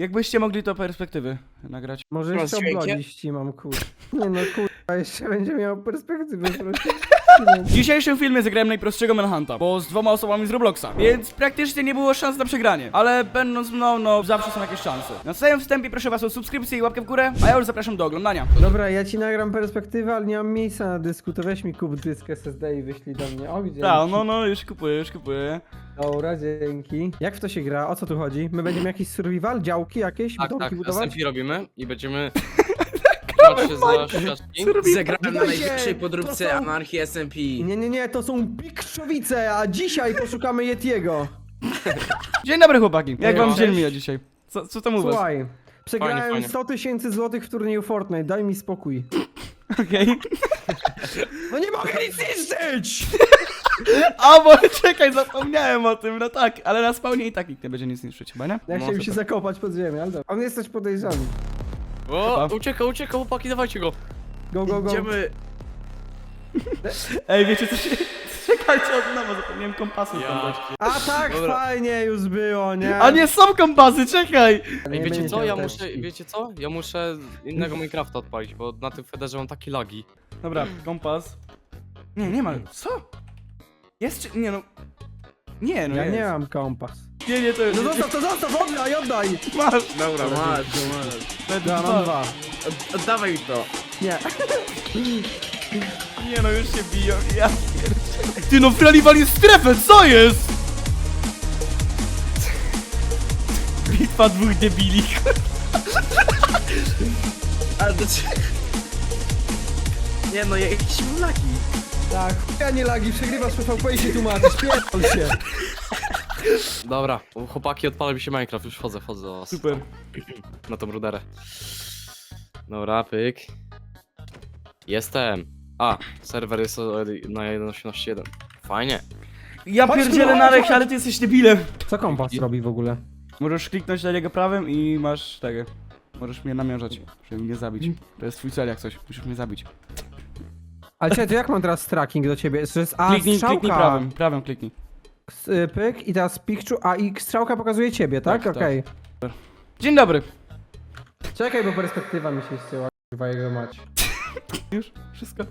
Jakbyście mogli to perspektywy nagrać. Może Masz jeszcze dźwiękiem? oblodzić mam kur... Nie no kurwa, jeszcze będzie miał perspektywę. W dzisiejszym filmie zagrałem najprostszego Manhunta, bo z 2 osobami z Robloxa, więc praktycznie nie było szans na przegranie. Ale będąc mną, no zawsze są jakieś szanse. Na samym wstępie proszę was o subskrypcję i łapkę w górę, a ja już zapraszam do oglądania. Dobra, ja ci nagram perspektywę, ale nie mam miejsca na dysku, to weź mi kup dysk SSD i wyślij do mnie. O, gdzie? Tak, no, już kupuję. Dobra, dzięki. Jak w to się gra? O co tu chodzi? My będziemy jakiś survival? Działki jakieś? Tak, Domki tak, budować? SMP robimy i będziemy... Trzymać się za świadki. Zagrałem na Witajcie! najwyższej To podróbce są- anarchii SMP. Nie, to są Pikrzowice, a dzisiaj poszukamy Yetiego. Dzień dobry chłopaki, jak wam Cześć. dzień mija dzisiaj? Co tam u was? Słuchaj, przegrałem Fajnie. 100 000 złotych w turnieju Fortnite, daj mi spokój. Okej. No nie mogę nic niszczyć! A bo czekaj, zapomniałem o tym, no tak, ale na spawnie i tak nikt nie będzie nic niszczyć chyba, nie? Ja No, chciałem to się tak. zakopać pod ziemię, ale dobra. On jest coś podejrzany. O, ucieka, chłopaki, dawajcie go. Go. Idziemy. Ej, wiecie co się... Czekajcie, od nowa zapomniałem kompasu wkładać. A tak, Dobra. fajnie już było, nie? A nie są kompasy, czekaj! Nie Ej, wiecie będzie co, karteczki. wiecie co? Ja muszę innego Minecrafta odpalić, bo na tym Federze mam takie lagi. Dobra, kompas. Nie ma. Co? Jest czy... Nie no... Nie no Ja jest. nie mam kompas. Nie, to jest... No zostaw, oddaj! Masz! Dobra, masz. Ja mam 2. Oddawaj to. Nie. Nie no, już się biją, ja pierdzielę. Ty no, wraliwali strefę, co jest? Bitwa dwóch debili. Ale do czego? Nie no, jakieś laki. Tak, ja nie lagi, przegrywasz PvP i się tłumaczysz, pierdol się. Dobra, chłopaki, odpala mi się Minecraft, już wchodzę do was. Super. Na tą ruderę. Dobra, pyk. Jestem. A, serwer jest na 1.18.1. Fajnie. Ja Chodź tu, pierdzielę chodź, na rech, chodź. ale ty jesteś debilem. Co kompas robi w ogóle? Możesz kliknąć na niego prawym i masz tego. Możesz mnie namierzać, żeby mnie zabić. To jest twój cel jak coś, musisz mnie zabić. Ale czekaj, to jak mam teraz tracking do ciebie? To jest Kliknij strzałka. prawym kliknij. Pyk i teraz picture, a i strzałka pokazuje ciebie, tak? Tak, Okej. Dzień dobry. Czekaj, bo perspektywa mi się ścięła, kurwa jego mać. Już? Wszystko?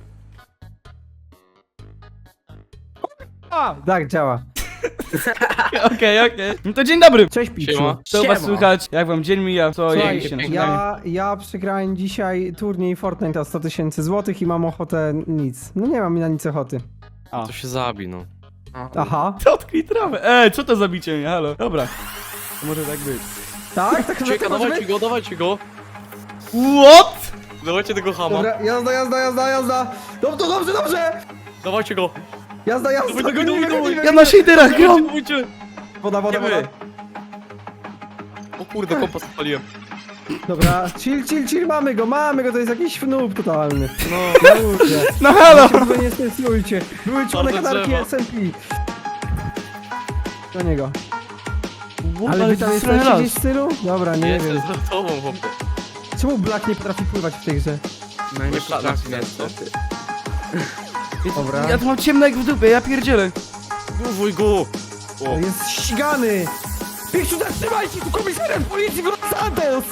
A! Tak, działa. Okej. No to dzień dobry. Cześć Piczu. Siema. Co u was słychać? Jak wam dzień mija? Co Słuchaj, jeździcie na śniadanie? ja przegrałem dzisiaj turniej Fortnite o 100 000 złotych i mam ochotę nic. No nie mam na nic ochoty. A. To się zabi, no. Aha. Dotknij trawę. Co to za bicie mnie? Halo. Dobra. To może tak być. Tak? Tak Ucieka, może być? dawajcie go. What? Dawajcie tego hama. Dobra, jazda. Dobrze. Dawajcie go. Jazda. Dawaj. Ja na shaderach gram. Dawajcie. Woda. Idziemy. O kurde, kompas odpaliłem. Dobra, chill, mamy go, to jest jakiś noob totalny. No. Na ludzie. No halo. Się w ogóle nie stresujcie. Były członek Bardzo kanarki drzewo. SMP. Do niego. Ale Ale wy tam to jesteście raz. gdzieś w stylu? Dobra, nie Jestem wiem. za tobą, chłopie. Czemu Black nie potrafi pływać w tej grze? No nie Myślałem, potrafię że niestety. Dobra. Ja tu mam ciemno jak w dupie, ja pierdzielę. Głowuj go. O. Jest ścigany! Piczu, zatrzymajcie! Tu komisarem policji w Los Santos!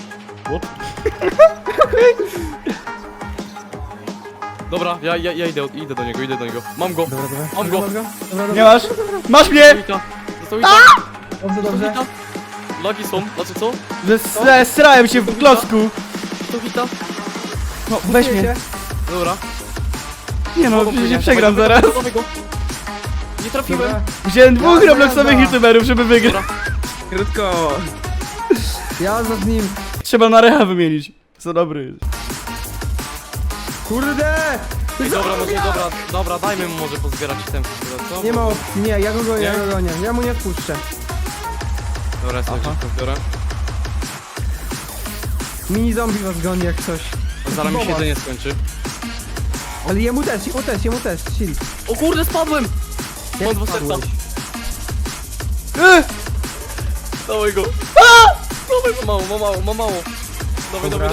Dobra, ja idę do niego. Mam go. Dobra. Mam go. Nie masz? Masz mnie! Został i tak. Dobrze. Lagi są, znaczy co? Zesrałem się w klocku. To hita. No, weź mnie. Dobra. Nie no, przecież nie przegram zaraz. Dawaj go. Nie trafiłem. Dobra. Wziąłem dwóch Jazda, Robloxowych jazda. youtuberów, żeby wygrać. Dobra. Krótko. Jazda z nim. Trzeba na recha wymienić. Co dobry jest. Kurde! Ej, dobra, dajmy mu może pozbierać ten co? Nie ma opcji, nie, ja go gonię, Nie? ja mu nie odpuszczę. Dobra, ja sobie wszystko biorę. Mini zombie was goni jak coś. Zaraz mi się Boba. jedzenie skończy. Ale jemu też, chill. O kurde, spadłem! Jak Mam dwa serca. spadłeś? Dawaj go. Dawaj, ma mało. Dawaj. Dobra.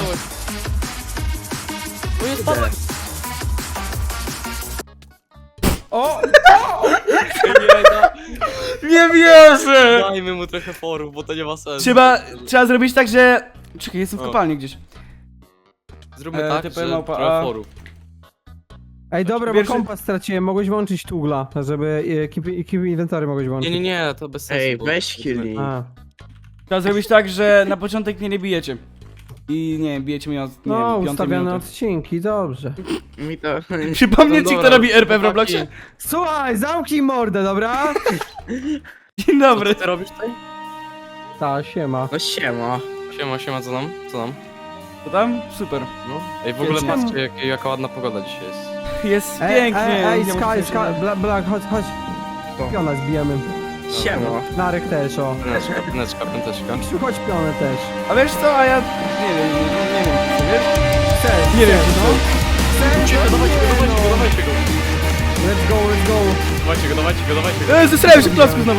O nie, spadłem! O! Nie da. Nie wierzę! Dajmy mu trochę forów, bo to nie ma sensu. Trzeba zrobić tak, że... Czekaj, jestem w O. kopalni gdzieś. Zróbmy E, tak, TP że małpa trochę A. forów. Ej, dobra, Pierwszy- bo kompas straciłem, mogłeś włączyć tugla, żeby keep inwentory mogłeś włączyć. Nie, to bez sensu. Ej, bo- weź killing. A. Trzeba zrobić tak, że na początek mnie nie bijecie. I nie wiem, bijecie mnie od, nie No, wiem, 5 ustawione minuty. odcinki, dobrze. Mi to... Przypomnę No ci, kto dobra, robi RP w chłopaki, Robloxie? Słuchaj, zamknij mordę, dobra? Dzień Co dobry. ty robisz tutaj? Ta, siema. No siema. Siema, co nam? Co nam? Co tam? Super. No. Ej, w ogóle Czemu? patrzcie, jaka ładna pogoda dzisiaj jest. Jest pięknie. Ej, nie muszę Sky, się- Sky, Black, chodź. To. Piona zbijemy. Siema. Narek też, o. Pęteczka. Krzysiu, chodź pionę też. A wiesz co, a ja nie wiem, nie wiem, co wiesz? Chcesz, Nie wiem, chcesz, co. Chcesz, Uciekaj, no dawajcie nie, go. no. Let's go. Dawajcie go. Zesrałem się w klocku znowu.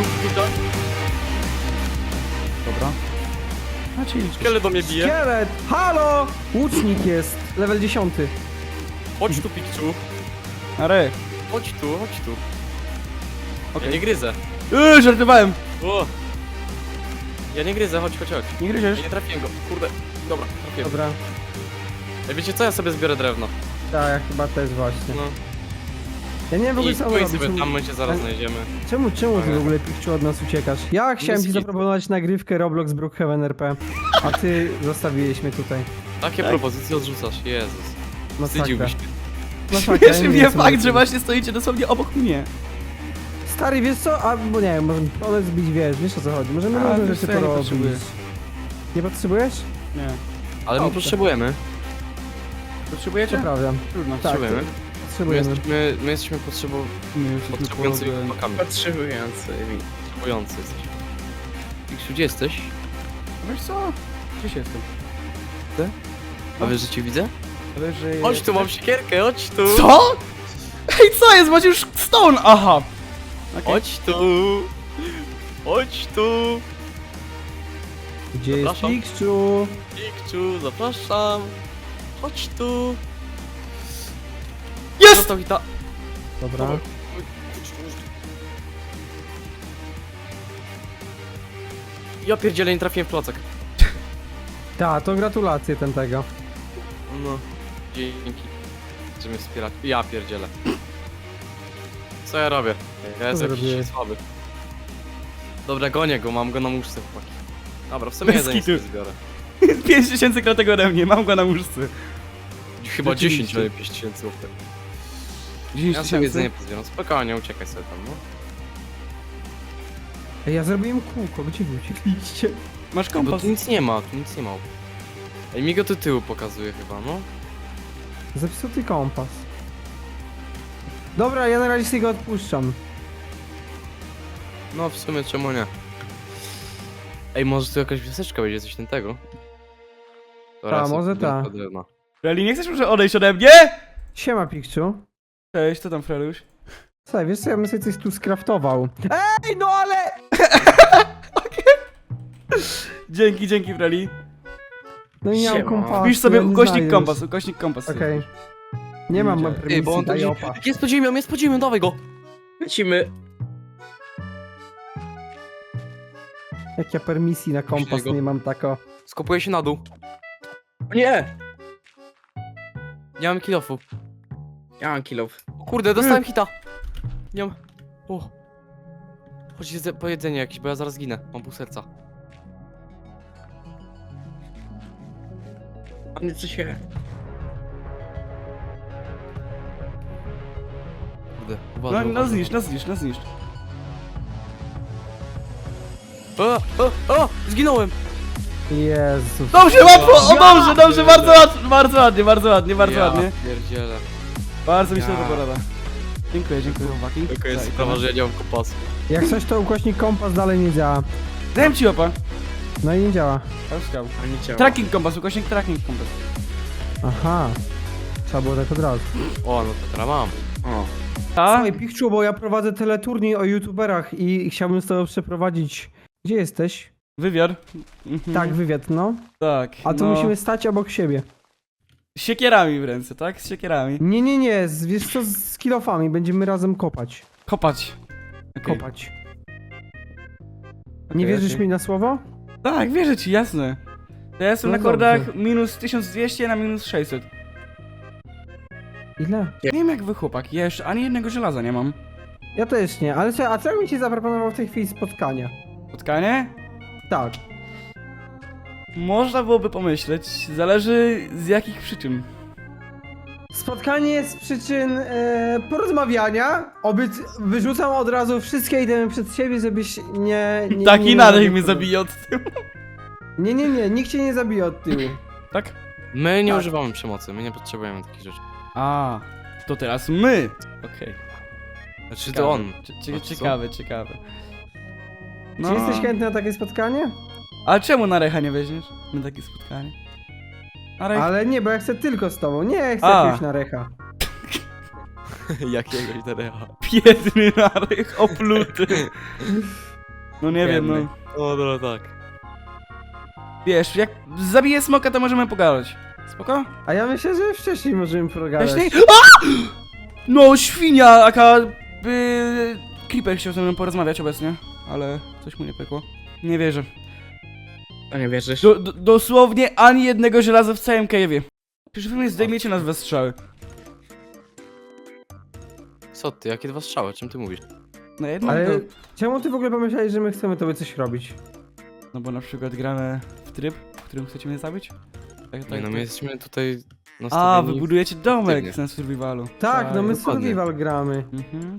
Dobra. A czyli Kiele do mnie bije. Szkielet, halo! Łucznik jest, level 10. Chodź tu, Pikczu. Are. Chodź tu. Okej. Ja nie gryzę. Żartowałem. O! Ja nie gryzę, chodź. Nie gryziesz? Ja nie trafiłem go. Kurde. Dobra, trafiłem. Dobra, Ej, wiecie co? Ja sobie zbiorę drewno. tak, ja chyba też właśnie. No. Ja nie wiem w ogóle I co stój robić. sobie tam, my cię zaraz znajdziemy. Czemu ty w ogóle, Pikczu, od nas uciekasz? Ja chciałem ci Nic. zaproponować nagrywkę Roblox Brookhaven RP, a ty zostawiłeś mnie tutaj. Takie propozycje odrzucasz, Jezus. Masakra. Wstydziłbyś się. Masakra, Cieszy nie mnie wiem, co fakt, mówić. że właśnie stoicie dosłownie obok mnie. Stary, wiesz co? A, bo nie wiem, możemy one zbić, wiesz o co chodzi. Możemy A, różne wiesz rzeczy co, ja nie porobić. potrzebuję. Nie potrzebujesz? Nie. Ale my Dobrze. potrzebujemy. Potrzebujecie? To prawda. Trudno. Tak, Potrzebujemy. potrzebujemy. My jesteśmy potrzebującymi chłopakami. Potrzebujący. Potrzebujący jesteśmy. Pikczu, gdzie jesteś? Wiesz co? Gdzieś jestem. A wiesz, że cię widzę? Ale że... Chodź tu, mam siekierkę, chodź tu! Co? Ej, co jest? Macie już stone! Aha. Okej. Chodź tu! Chodź tu! Gdzie jest Zapraszam. Pikczu? Pikczu, zapraszam! Chodź tu! Jest! Został hita. Dobra. Ja pierdzielę, nie trafiłem w klocek. Ta, to gratulacje tego. No. Dzięki. Że mnie wspieracie. Ja pierdzielę. Co ja robię? Ja jestem jakiś zrobiłeś? słaby. Dobra, gonię go, mam go na muszce, chłopaki. Dobra, w sumie Bez jedzenie kitu. sobie zbiorę. 5000 kratek ode mnie, mam go na łóżce. Chyba Rzeczywiście. 10, ale 5000 zł. 10 Ja sobie jedzenie 000? pozbieram. Spokojnie, uciekaj sobie tam, no. Ej, ja zrobiłem kółko, gdzie wy uciekliście? Masz Bo kompas. tu nic nie ma, tu nic nie ma. Ej, mi go do tyłu pokazuje chyba, no. Zepsuty kompas. Dobra, ja na razie sobie go odpuszczam. No, w sumie czemu nie? Ej, może tu jakaś wioseczka będzie, coś ten tego? Dobra, Ta, ja sobie może podbiorę ta. to drewno. Freli, nie chcesz może odejść ode mnie? Siema, Pikczu. Cześć, co tam, Freluś? Słuchaj, wiesz co, ja bym sobie coś tu skraftował. Ej, no ale... Dzięki, Freli. No i nie mam Siema. kompasu. Wpisz sobie ja nie ukośnik znajdę kompas, Okej. Nie mam Ej, Ej, permisji, bo on tu daj gdzieś... opa. Jest pod ziemią, dawaj go! Lecimy. Jak ja permisji na kompas Później go. nie mam tako. Skopuję się na dół. Nie! Nie mam kilofu. Ja mam kilof. O kurde, dostałem hita. Nie mam... O. Chodź po jedzenie jakieś, bo ja zaraz ginę. Mam pół serca. A nie co się... Kurde, No, uważaj, no uważaj. zniszcz. O! Zginąłem! Jezus. Dobrze, łatwo! O dobrze, bardzo ładnie. Ja pierdzielę. Bardzo mi się to Ja. podoba. Dziękuję, chłopaki. Tylko jest Tak, sprawa, że ja nie mam kompasu. Jak coś to ukośnik kompas dalej nie działa. Dałem ci opa. No i nie działa. Łaskał. A nie działa. Tracking kompas, ukośnik tracking kompas. Aha. Trzeba było tak od razu. O, no to teraz mam. O. A? Słuchaj, Pikczu, bo ja prowadzę teleturniej o youtuberach i chciałbym z tobą przeprowadzić... Gdzie jesteś? Wywiar. Mhm. Tak, wywiad, no. Tak. A tu no. musimy stać obok siebie. Z siekierami w ręce, tak? Z siekierami. Nie, wiesz co, z kilofami będziemy razem kopać. Kopać. Okej. Kopać. Nie Okej, wierzysz okej. mi na słowo? Tak, wierzę ci, jasne. Ja jestem No na kordach dobrze. minus 1200 na minus 600. Ile? Nie wiem jak wy chłopak, ja jeszcze ani jednego żelaza nie mam. Ja też nie, ale co, a co bym ci zaproponował w tej chwili spotkania? Spotkanie? Tak. Można byłoby pomyśleć, zależy z jakich przyczyn. Spotkanie z przyczyn porozmawiania. Wyrzucam od razu wszystkie idemy przed siebie, żebyś nie Tak nie inaczej robił mnie tego. zabije od tyłu. Nie, nikt cię nie zabije od tyłu. Tak? My nie Tak. używamy przemocy, my nie potrzebujemy takich rzeczy. A, to teraz my. Okej. Znaczy to on. Ciekawe, Co? ciekawe, ciekawe. No. Czy jesteś chętny na takie spotkanie? A czemu na Recha nie weźmiesz? Na takie spotkanie. Na Rech... Ale nie, bo ja chcę tylko z tobą. Nie chcę A. jakiegoś na recha. Jakiegoś Darecha. Biedny Narech, opluty. No nie wiem, no. Biedny. O, no tak. Wiesz, jak zabiję smoka, to możemy pogadać. Spoko? A ja myślę, że wcześniej możemy pogadać. Wcześniej? A! No, świnia, jaka... Creeper chciał ze mną porozmawiać obecnie, ale coś mu nie pykło. Nie wierzę. A nie wierzysz? Dosłownie ani jednego żelaza w całym cave'ie. Przecież wy mnie zdejmiecie na dwa strzały. Co ty, jakie dwa strzały, czym ty mówisz? Na jedno? Ale czemu ty w ogóle pomyślałeś, że my chcemy tobie coś robić? No bo na przykład gramy w tryb, w którym chcecie mnie zabić? Tak, Nie no, my jesteśmy tutaj A, nastawieni... wy budujecie domek aktywnie. na survivalu. Tak, no my dokładnie. survival gramy. Mhm.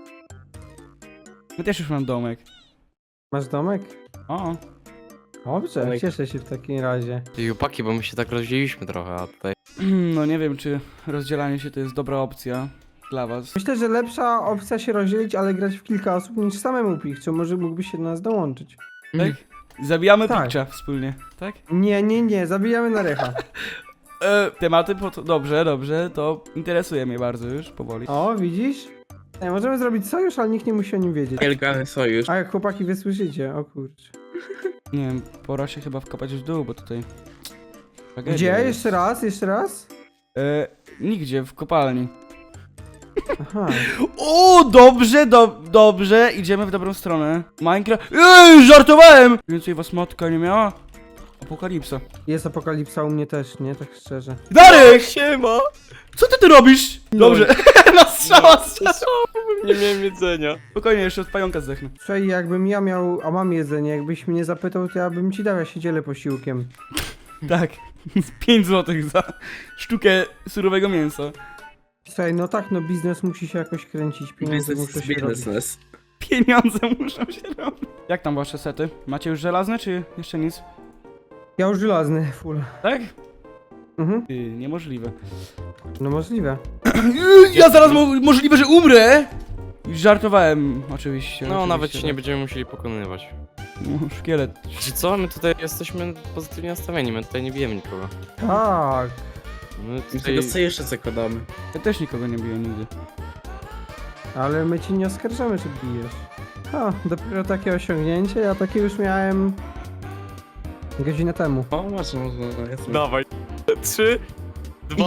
My też już mam domek. Masz domek? O, Dobrze, Domek. cieszę się w takim razie. Ty chłopaki, bo my się tak rozdzieliliśmy trochę, a tutaj... no nie wiem, czy rozdzielanie się to jest dobra opcja dla was. Myślę, że lepsza opcja się rozdzielić, ale grać w kilka osób niż samemu Pikczu. Może mógłbyś się do nas dołączyć. Tak? Zabijamy Tak. Pikcza wspólnie, tak? Nie, zabijamy na recha. Tematy, dobrze, to interesuje mnie bardzo już, powoli. O, widzisz? Ej, możemy zrobić sojusz, ale nikt nie musi o nim wiedzieć. Nielegalny sojusz. A jak chłopaki wysłyszycie, o kurczę. Nie wiem, pora się chyba wkopać w dół, bo tutaj... tragedia Gdzie? jest. Jeszcze raz? Jeszcze raz? Nigdzie, w kopalni. Aha. O, dobrze, idziemy w dobrą stronę. Minecraft... żartowałem! Więcej was matka nie miała? Apokalipsa. Jest apokalipsa u mnie też, nie? Tak szczerze. Darek! Siema! Co ty tu robisz? Dobrze, na strzała. Nie miałem jedzenia. Spokojnie, jeszcze od pająka zdechnę. Słuchaj, jakbym ja miał, a mam jedzenie, jakbyś mnie zapytał, to ja bym ci dał, ja się dzielę posiłkiem. Tak, 5 zł za sztukę surowego mięsa. Słuchaj, no tak, no biznes musi się jakoś kręcić, pieniądze Biznes muszą jest się robić. biznes. Pieniądze muszą się robić. Jak tam wasze sety? Macie już żelazne, czy jeszcze nic? Ja już żelazny, full. Tak? Mhm, Niemożliwe. no możliwe. Ja zaraz możliwe, że umrę! Żartowałem, oczywiście. No, oczywiście, nawet się nie tak. będziemy musieli pokonywać. No, szkielet. Czy co? My tutaj jesteśmy pozytywnie nastawieni, my tutaj nie bijemy nikogo. Tak. My My tutaj... tego sojusza zakładamy. Ja też nikogo nie biję nigdy. Ale my ci nie oskarżamy, że bijesz. A, dopiero takie osiągnięcie, ja takie już miałem... godzinę temu. O, masz, no, jasne. Dawaj. 3, 2...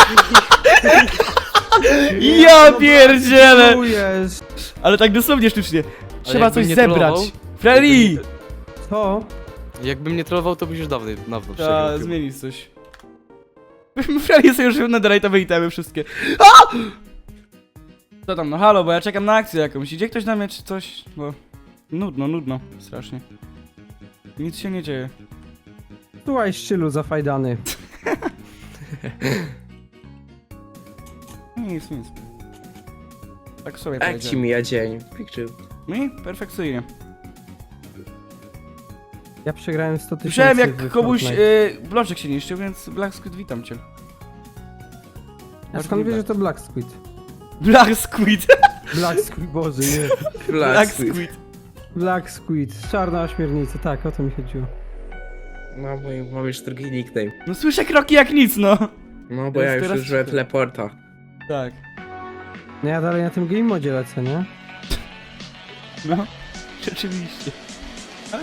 Ja pierdzielę! Czujesz. Ale tak dosłownie sztucznie. Trzeba jakbym coś nie zebrać. trollował, Freddy! Co? Jakbym nie trollował, to byś już dawno Trzeba przegrał. chyba. zmienić coś. Freddy sobie już netherite'owe itemy wszystkie. A! Co tam, no halo, bo ja czekam na akcję jakąś. Idzie ktoś na mnie czy coś? Bo... Nudno, strasznie. Nic się nie dzieje. Słuchaj, szczylu zafajdany. Nic. Tak sobie Jak ci powiedziałem. mija dzień? Picture. Mi? Perfekcyjnie. Ja przegrałem 100 000. Słyszałem jak w komuś Fortnite. bloczek się niszczył, więc Black Squid witam cię. A skąd wiesz, że to Black Squid? Black Squid! Black Squid, boże, nie. Black Squid. Black Squid, czarna ośmiornica, tak, o to mi chodziło. No, bo mam już drugi nickname. No słyszę kroki jak nic, no. No, bo Teraz- ja już teraz użyłem ty. teleporta. Tak. No ja dalej na tym game modzie lecę, nie? No. Rzeczywiście. Tak?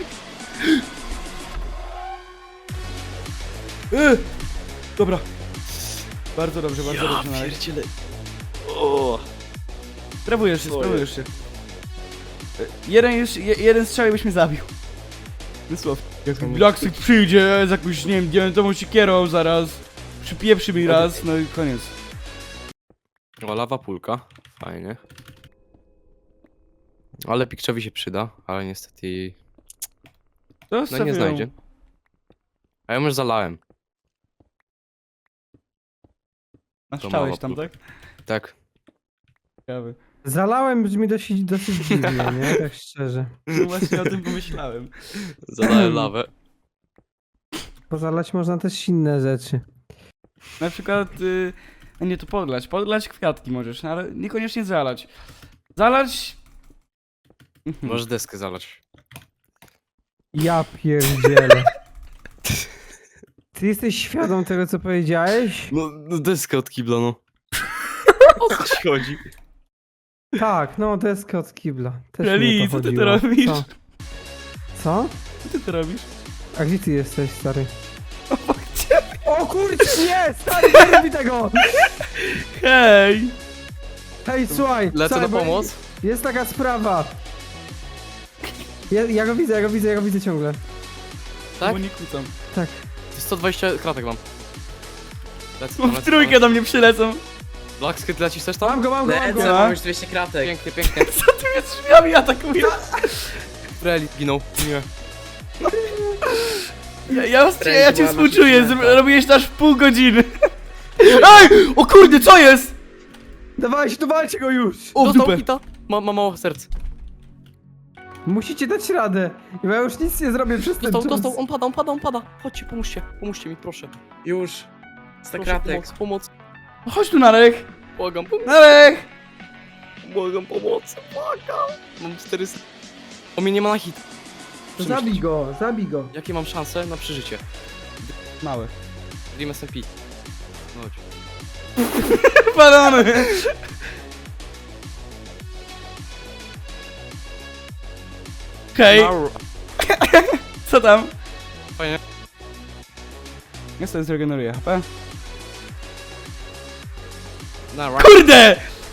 Dobra. Bardzo dobrze, bardzo dobrze na razie. pierdzielę. O. Sprawujesz się. Sorry. Jeden strzał i byś mnie zabił. Wysław, jak Blackstick przyjdzie z jakąś, nie wiem, diamentową siekierą zaraz, przypieprzy mi raz, no i koniec. O, lawa pulka. Fajnie. Ale Pikczowi się przyda, ale niestety... To No nie znajdzie. A ja już zalałem. Naszczałeś tam, tak? Tak. Ciekawe. Zalałem brzmi dosyć dziwnie, nie? Tak szczerze. No właśnie o tym pomyślałem. Zalałem lawę. Bo zalać można też inne rzeczy. Na przykład, nie to podlać kwiatki możesz, no ale niekoniecznie zalać. Zalać... Możesz deskę zalać. Ja pierdzielę. Ty jesteś świadom tego, co powiedziałeś? No deskę od kibla, no. O co ci chodzi? Tak, no deskę od kibla. Też Eli, mi o co ty chodziło. to robisz? Co? Co? Co ty to robisz? A gdzie ty jesteś, stary? Obok ciebie. O kurczę, nie! Stary, nie robi tego! Hej! Hej, słuchaj! Lecę słuchaj, na bo pomoc. Jest taka sprawa. Ja go widzę ciągle. Tak? Bo nie kłócam. Tak. 120 kratek mam. Lecę Bo tam, w lecę trójkę tam. do mnie przylecą. Blackskit lecisz też tam? Mam go. Lecę, No. mam już 200 kratek. Pięknie, pięknie. Co tu jest drzwiami atakuje? Reli ginął. Nie. Ja cię była współczuję, nasza szmata. robiłeś to aż w pół godziny. Ej! O kurde, co jest? Dawajcie, tu walcie go już! O, w Dostał dupę. hita. Ma mało serc. Musicie dać radę. Bo ja już nic nie zrobię przez ten czas. Dostał, on pada. Chodźcie, pomóżcie mi, proszę. Już. 100 Proszę, kratek. pomoc. Chodź tu, Narek. Błagam, Narek! błagam, pomoc. Błagam. Mam 400. O mnie nie ma na hit. Zabij go. Jakie mam szanse na przeżycie? Małe. Dream SMP. No chodź. Balony! Hej, Maur. co tam? Fajnie. Ja sobie zregeneruję HP. Na Kurde!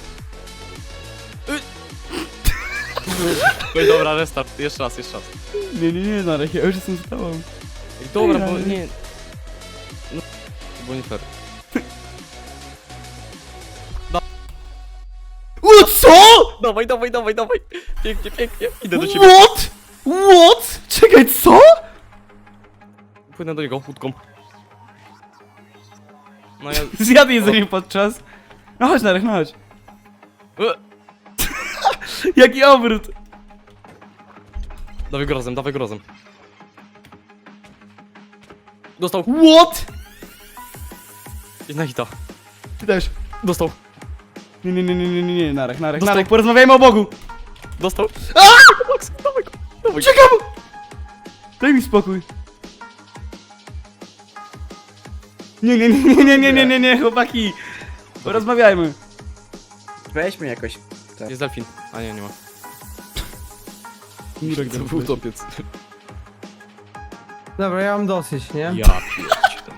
Oj, dobra, restart. Jeszcze raz. Nie, Narek, ja już jestem z tobą. Ej, dobra, bo Ej, nie... No, to było nie fair. O, co? Dawaj. Pięknie. Idę do ciebie. What? Czekaj, co? Płynę do niego łódką. No ja... Zjadł jedzenie podczas. No chodź, Narek, no chodź. Jaki obrót. Dawaj go razem. Dostał. What? Jedna hita. Ty też. Dostał. Nie, Narek, Dostał. Narek, porozmawiajmy o Bogu. Dostał. Dawaj go. Uciekam! Daj mi spokój. Nie, chłopaki. Porozmawiajmy. Weźmy jakoś. Jest delfin. A nie ma. Murek To był utopiec. Dobra, ja mam dosyć, nie? Ja pierdzielę.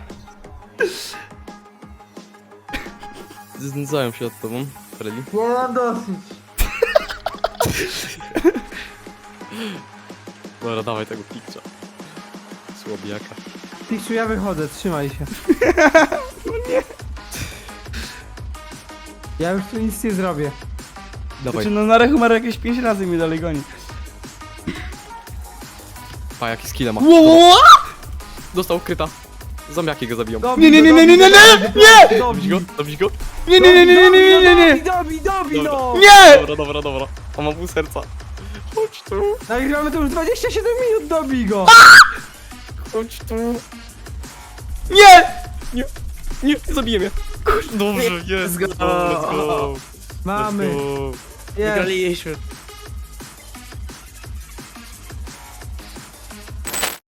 Znęcałem się od tobą, Freddy. Ja mam dosyć. Dobra, dawaj tego pikcza. Słabiaka. Pikczu, ja wychodzę, trzymaj się. Ja już tu nic nie zrobię. Dawaj. Znaczy, no Narek umarł jakieś 5 razy i mnie dalej goni. Pa, jaki skilla ma. What? Dostał kryta. Zombiaki go zabiją. Dobij Nie! Dobić go? Nie! Dobij, no! Nie! Dobra. On ma pół serca. Chodź tu. Nagrywamy to już 27 minut, dobij go! Chodź tu. Nie! Nie, zabiję mnie. Dobrze, jest. Let's go. Let's go. Mamy, Let's go. jest. Wygraliśmy.